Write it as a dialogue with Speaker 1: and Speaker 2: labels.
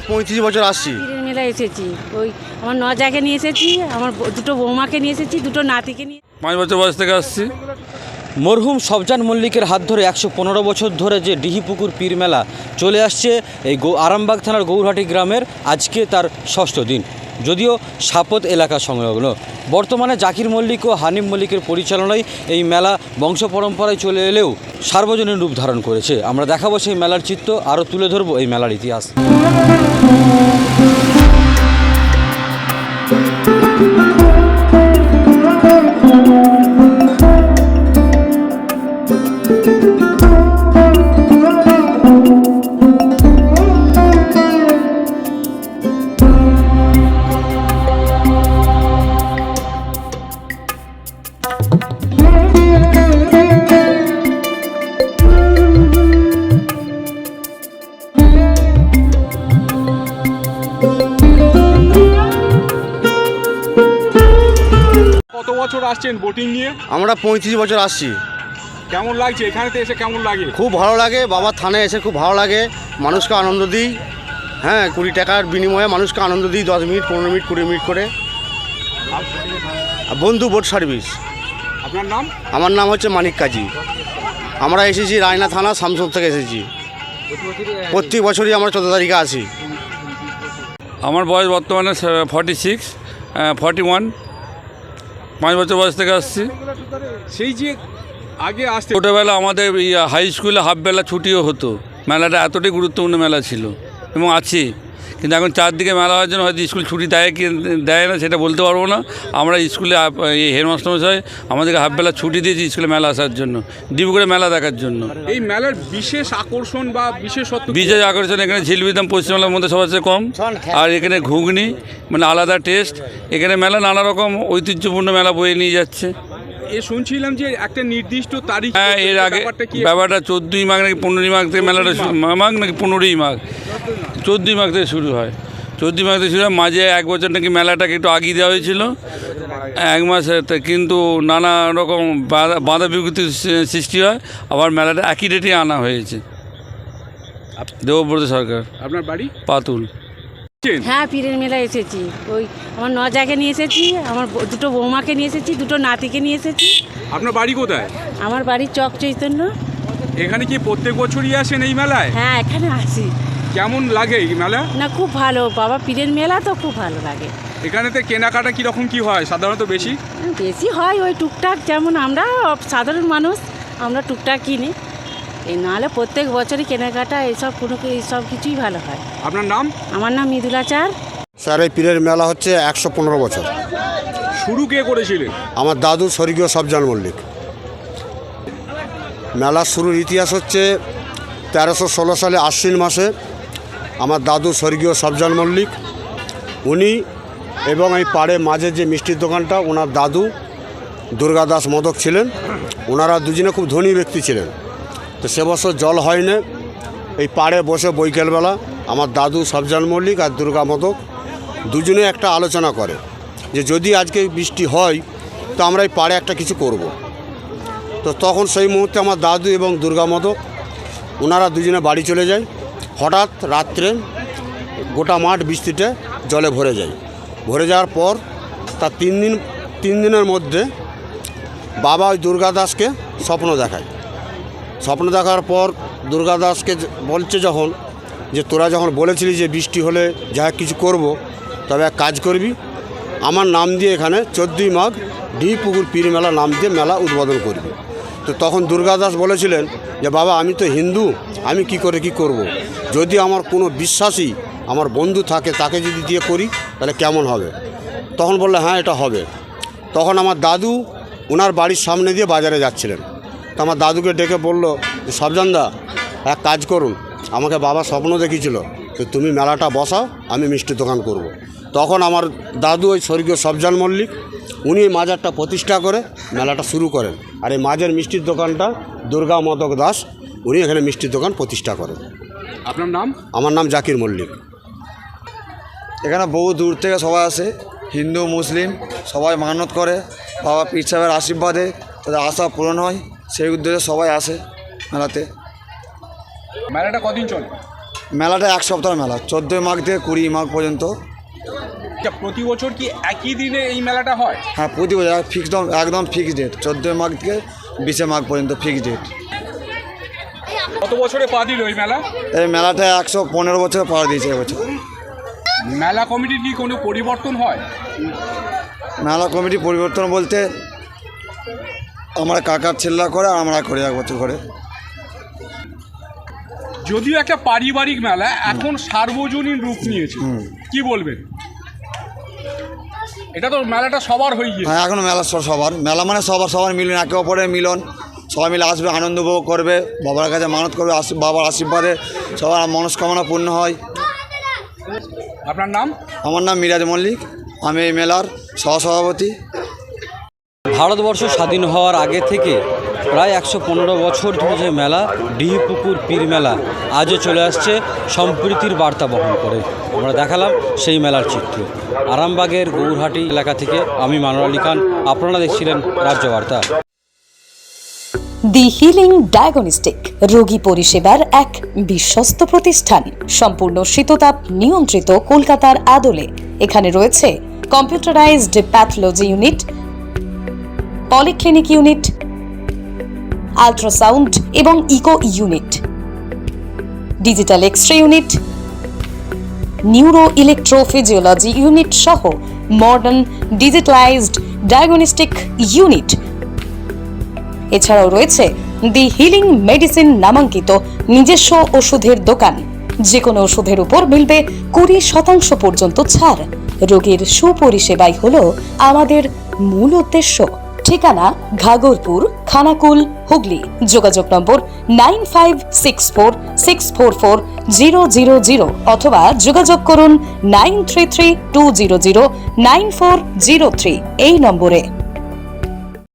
Speaker 1: 35 বছর আসছি।
Speaker 2: পীরের মেলায় এসেছি, ওই আমার নজাকে নিয়ে এসেছি, আমার দুটো বৌমাকে নিয়ে এসেছি, দুটো নাতিকে নিয়ে।
Speaker 3: 5 বছর বয়স থেকে আসছি।
Speaker 4: মরহুম সবজান মল্লিকের হাত ধরে 115 বছর ধরে যে ডিহিপুকুর পীর মেলা চলে আসছে এই আরামবাগ থানার গৌরহাটি গ্রামের, আজকে তার 6ষ্ঠ দিন। যদিও সাপত এলাকা সংলগ্ন, বর্তমানে জাকির মল্লিক ও হানিম মল্লিকের পরিচালনায় এই মেলা বংশ পরম্পরায় চলে এলেও সার্বজনীন রূপ ধারণ করেছে। আমরা দেখাবো সেই মেলার চিত্র, আরও তুলে ধরবো এই মেলার ইতিহাস।
Speaker 5: কত বছর আসছেন বোটিং নিয়ে?
Speaker 1: আমরা 35 বছর আসছি।
Speaker 5: কেমন লাগছে এখানেতে এসে? কেমন লাগে?
Speaker 1: খুব ভালো লাগে, বাবার থানায় এসে খুব ভালো লাগে। মানুষকে আনন্দ দিই, হ্যাঁ, 20 টাকার বিনিময়ে মানুষকে আনন্দ দিই, 10 মিনিট 15 মিনিট 20 মিনিট করে। বন্ধু বোট সার্ভিস।
Speaker 5: আপনার নাম?
Speaker 1: আমার নাম হচ্ছে মানিক কাজী। আমরা এসেছি রায়না থানা শামসুর থেকে এসেছি। প্রত্যেক বছরই আমরা 14 তারিখে আসি।
Speaker 3: আমার বয়স বর্তমানে 46, 41, 5 বছর বয়স থেকে আসছি।
Speaker 5: সেই যে আগে আসতে
Speaker 3: ছোটোবেলা আমাদের হাই স্কুলে হাফবেলা ছুটিও হতো। মেলাটা এতটাই গুরুত্বপূর্ণ মেলা ছিল এবং আছে, কিন্তু এখন চারদিকে মেলা হওয়ার জন্য হয়তো স্কুল ছুটি দেয় কি দেয় না সেটা বলতে পারবো না। আমরা স্কুলে এই হেডমাস্টারমশাই আমাদেরকে হাফবেলা ছুটি দিয়েছি স্কুলে মেলা আসার জন্য, ডিব্রুগড়ে মেলা দেখার জন্য।
Speaker 5: এই মেলার বিশেষ আকর্ষণ বা বিশেষত্ব?
Speaker 3: বিশেষ আকর্ষণ এখানে ঝিলবির দাম পশ্চিমবাংলার মধ্যে সবার চেয়ে কম, আর এখানে ঘুগনি মানে আলাদা টেস্ট। এখানে মেলা নানা রকম ঐতিহ্যপূর্ণ মেলা বয়ে নিয়ে যাচ্ছে।
Speaker 5: শুনছিলাম যে একটা নির্দিষ্ট তারিখ,
Speaker 3: হ্যাঁ, এর আগে ব্যাপারটা 14ই মাঘ নাকি 15ই মাঘ থেকে মেলাটা মাঘ নাকি 15ই মাঘ, 14ই মাঘ থেকে শুরু হয়। 14ই মাঘ থেকে শুরু হয়। মাঝে 1 বছর নাকি মেলাটাকে একটু আগিয়ে দেওয়া হয়েছিল 1 মাসে, কিন্তু নানা রকম বাধা বিঘ্নিতির সৃষ্টি হয়, আবার মেলাটা একই ডেটে আনা হয়েছে। দেবব্রত সরকার।
Speaker 5: আপনার বাড়ি?
Speaker 3: পাতুল।
Speaker 2: হ্যাঁ, পীরের মেলায় এসেছি, ওই আমার নজাকে নিয়ে এসেছি, আমার দুটো বৌমাকে নিয়ে এসেছি, দুটো নাতিকে নিয়ে এসেছি।
Speaker 5: আপনার বাড়ি কোথায়?
Speaker 2: আমার বাড়ি চক চৈতন্য।
Speaker 5: এখানে কি প্রত্যেক বছরই আসেন এই মেলায়?
Speaker 2: হ্যাঁ, এখানে আসি।
Speaker 5: কেমন লাগে এই মেলা?
Speaker 2: না, খুব ভালো, বাবা পীরের মেলা তো খুব ভালো লাগে।
Speaker 5: এখানেতে কেনাকাটা কীরকম কী হয় সাধারণত? বেশি
Speaker 2: বেশি হয় ওই টুকটাক, যেমন আমরা সাধারণ মানুষ, আমরা টুকটাক কিনি। এই নাহলে প্রত্যেক বছরই কেনাকাটা এইসব এইসব কিছুই ভালো হয়।
Speaker 5: আপনার নাম?
Speaker 2: আমার নাম মৃদুলাচার।
Speaker 1: স্যার, এই পীরের মেলা হচ্ছে 115 বছর।
Speaker 5: শুরু কে করেছিলেন?
Speaker 1: আমার দাদু স্বর্গীয় সবজান মল্লিক। মেলার শুরুর ইতিহাস হচ্ছে 1316 সালে আশ্বিন মাসে আমার দাদু স্বর্গীয় সবজান মল্লিক, উনি এবং এই পাড়ে মাঝে যে মিষ্টির দোকানটা, ওনার দাদু দুর্গাদাস মদক ছিলেন। ওনারা দুজনে খুব ধনী ব্যক্তি ছিলেন। তো সে বছর জল হয় না, এই পাড়ে বসে বৈকালবেলা আমার দাদু সবজান মল্লিক আর দুর্গা মদক দুজনে একটা আলোচনা করে যে যদি আজকে বৃষ্টি হয় তো আমরা এই পাড়ে একটা কিছু করব। তো তখন সেই মুহূর্তে আমার দাদু এবং দুর্গা মদক ওনারা দুজনে বাড়ি চলে যায়। হঠাৎ রাত্রে গোটা মাঠ বৃষ্টিতে জলে ভরে যায়। ভরে যাওয়ার পর তার 3 দিনের মধ্যে বাবা ওই দুর্গাদাসকে স্বপ্ন দেখায়। স্বপ্ন দেখার পর দুর্গাদাসকে বলছে যখন, যে তোরা যখন বলেছিলি যে বৃষ্টি হলে যা কিছু করব, তবে এক কাজ করবি, আমার নাম দিয়ে এখানে 14ই মাঘ ডিহিপুকুর পীর মেলা নাম দিয়ে মেলা উদ্বোধন করবি। তো তখন দুর্গাদাস বলেছিলেন যে বাবা, আমি তো হিন্দু, আমি কি করে কি করব। যদি আমার কোনো বিশ্বাসী আমার বন্ধু থাকে তাকে যদি দিয়ে করি তাহলে কেমন হবে। তখন বললে হ্যাঁ, এটা হবে। তখন আমার দাদু ওনার বাড়ির সামনে দিয়ে বাজারে যাচ্ছিলেন। তো আমার দাদুকে ডেকে বলল যে সবজানদা, এক কাজ করুন, আমাকে বাবা স্বপ্ন দেখিয়েছিল, তো তুমি মেলাটা বসাও, আমি মিষ্টির দোকান করব। তখন আমার দাদু ওই স্বর্গীয় সবজান মল্লিক উনি এই মাজারটা প্রতিষ্ঠা করে মেলাটা শুরু করেন। আর এই মাঝের মিষ্টির দোকানটা দুর্গা মদক দাস উনি এখানে মিষ্টির দোকান প্রতিষ্ঠা করেন।
Speaker 5: আপনার নাম?
Speaker 1: আমার নাম জাকির মল্লিক।
Speaker 6: এখানে বহু দূর থেকে সবাই আসে, হিন্দু মুসলিম সবাই মানত করে, বাবা পীর সাহেবের আশীর্বাদে তাদের আশা পূরণ হয়, সেই উদ্দেশ্যে সবাই আসে মেলাতে।
Speaker 5: মেলাটা কদিন চলে?
Speaker 6: মেলাটা এক সপ্তাহ মেলা, 14 মাঘ থেকে 20 মাঘ পর্যন্ত।
Speaker 5: আচ্ছা, প্রতি বছর কি একই দিনে এই মেলাটা হয়?
Speaker 6: হ্যাঁ, প্রতি বছর একদম ফিক্সড ডেট, 14 মাঘ থেকে 20 মাঘ পর্যন্ত ফিক্সড ডেট।
Speaker 5: কত বছরে পা দিল এই মেলা?
Speaker 6: এই মেলাটা 115 বছর পার দিয়েছে এবছর।
Speaker 5: মেলা কমিটির কি কোনো পরিবর্তন হয়?
Speaker 6: মেলা কমিটি পরিবর্তন বলতে আমরা কাকার ছেলেরা করে আর আমরা করি 1 বছর করে।
Speaker 5: যদিও একটা পারিবারিক মেলা, এখন সার্বজনীন রূপ নিয়েছে, কি বলবেন? এটা তো মেলাটা সবার হয়ে গিয়েছে।
Speaker 6: হ্যাঁ, এখন মেলা সবার মেলা মানে সবার মিলন, একে অপরের মিলন, সবাই মিলে আসবে, আনন্দ উপভোগ করবে, বাবার কাছে মানত করবে, বাবার আশীর্বাদে সবার মনস্কামনা পূর্ণ হয়।
Speaker 5: আপনার নাম?
Speaker 6: আমার নাম মিরাজ মল্লিক, আমি এই মেলার সহসভাপতি।
Speaker 4: ভারতবর্ষ স্বাধীন হওয়ার আগে থেকে প্রায় 115 বছর ধরে যে মেলা ডিহিপুকুর পীর মেলা আজও চলে আসছে সম্প্রীতির বার্তা বহন করে। আমরা দেখালাম সেই মেলার চিত্র। আরামবাগের গৌরহাটি এলাকা থেকে আমি মানোয়ার আলী খান, আপনারা দেখছিলেন রাজ্য বার্তা।
Speaker 7: দি হিলিং ডায়াগনস্টিক রোগী পরিষেবার এক বিশ্বস্ত প্রতিষ্ঠান, সম্পূর্ণ শীততাপ নিয়ন্ত্রিত, কলকাতার আদলে। এখানে রয়েছে computerised pathology unit, polyclinic unit, ultrasound এবং echo unit, digital X-ray unit, neuro electrophysiology unit সহ মডার্ন ডিজিটালাইজড ডায়াগনস্টিক ইউনিট। এছাড়াও রয়েছে দি হিলিং মেডিসিন নামাঙ্কিত নিজস্ব ওষুধের দোকান। যে কোনো ওষুধের উপর মিলবে 20% পর্যন্ত ছাড়। রোগীর সুপরিষেবাই হলো আমাদের মূল উদ্দেশ্য। ঠিকানা ঘাগরপুর, খানাকুল, হুগলি। যোগাযোগ নম্বর 9564644000 অথবা যোগাযোগ করুন 9332009403 এই নম্বরে।